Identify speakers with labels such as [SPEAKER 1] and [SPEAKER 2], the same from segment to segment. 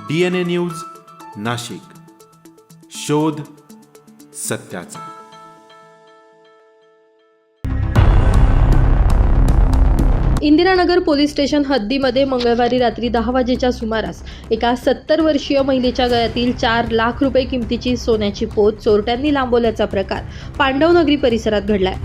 [SPEAKER 1] DNA news Nashik, शोध सत्याचा.
[SPEAKER 2] Indiranagar police station हद्दीमध्ये मंगळवारी रात्री 10 वाजेच्या सुमारास एका 70 वर्षीय महिलेच्या गळ्यातील 4 लाख रुपये किमतीची सोन्याची पोत चोरट्यांनी लांबवल्याचा प्रकार पांडवनगरी परिसरात घडलाय.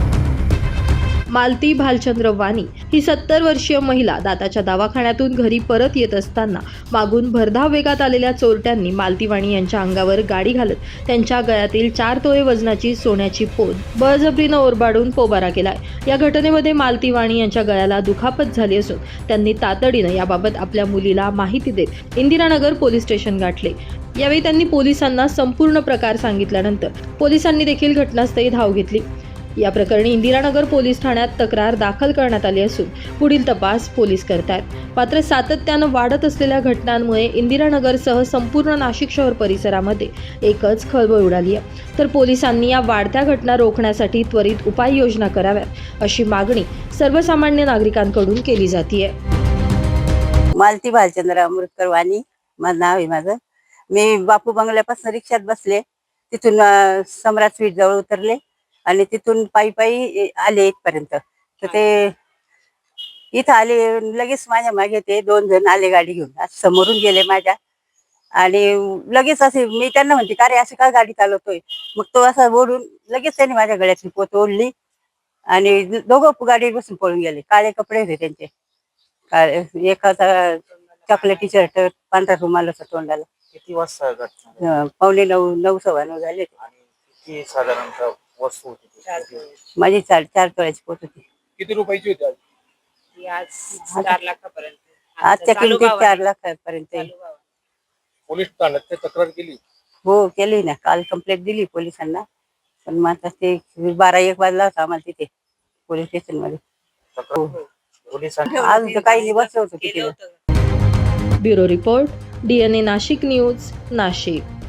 [SPEAKER 2] मालती भालचंद्र वाणी ही 70 वर्षीय महिला दाताच्या दवाखान्यातून घरी परत येत असताना मागून भरधाव वेगात आलेल्या चोरट्यांनी मालती वाणी यांच्या अंगावर गाडी घालत त्यांच्या गळ्यातील 4 तोळे वजनाची सोन्याची पोत बळजबरीनं ओरबाडून पोबारा केलाय. या घटनेमध्ये मालती वाणी यांच्या गळ्याला दुखापत झाली असून त्यांनी तातडीनं याबाबत आपल्या मुलीला माहिती देत इंदिरानगर पोलीस स्टेशन गाठले. यावेळी त्यांनी पोलिसांना संपूर्ण प्रकार सांगितल्यानंतर पोलिसांनी देखील घटनास्थळी धाव घेतली. या प्रकरणी इंदिरानगर पोलीस ठाण्यात तक्रार दाखल करण्यात आली असून पुढील तपास पोलीस करतायत. मात्र सातत्यानं वाढत असलेल्या घटनांमुळे इंदिरानगरसह संपूर्ण नाशिक शहर परिसरामध्ये एकच खळबळ उडाली आहे. तर पोलिसांनी या वाढत्या घटना रोखण्यासाठी त्वरित उपाययोजना कराव्यात अशी मागणी सर्वसामान्य नागरिकांकडून केली जाते.
[SPEAKER 3] मालती भालचंद्र अमृतकर वाणी माझं नाव आहे. माझं मी बापू बंगल्यापासून रिक्षात बसले, तिथून सम्राट स्वीट जवळ उतरले आणि तिथून पायी पायी आले इथपर्यंत. तर ते इथं आले, लगेच माझ्या मागे ते 2 जण आले गाडी घेऊन, समोरून गेले माझ्या. आणि लगेच असे मी त्यांना म्हणते का रे अशी का गाडी चालवतोय. मग तो असा ओढून लगेच त्यांनी माझ्या गळ्यातली पोत ओढली आणि दोघं गाडीवर बसून पळून गेले. काळे कपडे होते त्यांचे, काळे, एकाचा चॉकलेटी शर्ट, पांढरा रुमाल होता तोंडाला.
[SPEAKER 4] किती वाजता घटना?
[SPEAKER 3] 9:45 9:15 झाले.
[SPEAKER 4] किती साधारणतः वस्तू होती?
[SPEAKER 3] माझी 4 तोळ्याची पोत होती.
[SPEAKER 4] किती रुपयाची होती?
[SPEAKER 5] आज 4 लाखापर्यंत.
[SPEAKER 3] आजच्या किमतीत 4 लाखापर्यंत.
[SPEAKER 4] पोलीस ठाण्यात ते तक्रार केली?
[SPEAKER 3] हो केली ना, काल कंप्लेंट दिली पोलिसांना. पण मग आता ते 12-1 वाजला होता आम्हाला तिथे पोलीस स्टेशन मध्ये.
[SPEAKER 4] पोलिसांनी
[SPEAKER 3] आज काही बसलं होतं तिथे.
[SPEAKER 2] Bureau report DNA Nashik news Nashik.